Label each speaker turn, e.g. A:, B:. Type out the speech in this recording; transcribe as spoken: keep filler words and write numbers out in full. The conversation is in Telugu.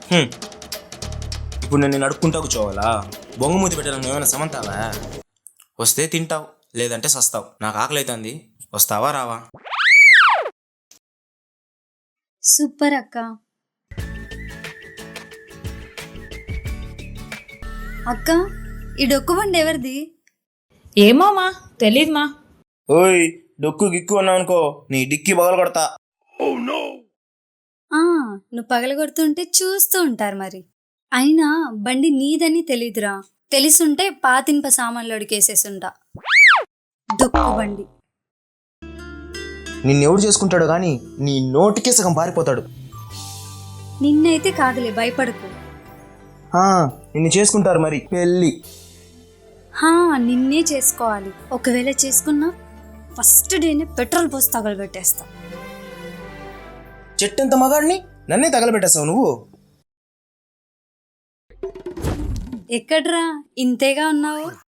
A: హ్మ్. ఇప్పుడు నేను నడుపుకుంటా కూర్చోవాలా? బొంగుమూతి పెట్టడం నువ్వేమైనా సమంతావా? వస్తే తింటావు, లేదంటే సస్తావు. నాకు ఆకలి అవుతుంది, వస్తావా రావా?
B: సూపర్ అక్క. అక్క, ఈ డొక్కు బండి ఎవరిది?
C: ఏమోమా, తెలీదుమా.
A: ఓయ్, డొక్కు గిక్కు అన్నావు అనుకో, నీ డిక్కి పగల కొడతా.
B: ఆ నువ్వు పగలగొడుతుంటే చూస్తూ ఉంటారు మరి. అయినా బండి నీదని తెలీదురా. తెలిసుంటే పాతింప సామాన్లు అడిగేసేసుంటా. డొక్కు బండి.
A: నిన్నెవడు చేసుకుంటాడు కానీ నీ నోటికే సగం పారిపోతాడు.
B: నిన్నైతే కాదులే, భయపడకు.
A: ఆ, నిన్ను చేసుకుంటారు మరి పెళ్ళి.
B: హా, నిన్నే చేసుకోవాలి. ఒకవేళ చేసుకున్నా ఫస్ట్ డేనే పెట్రోల్ పోసి తగలబెట్టేస్తా.
A: చెట్టంత మగాడిని నన్నే తగలబెట్టేస్తావు నువ్వు.
B: ఎక్కడ్రా ఇంతేగా ఉన్నావు?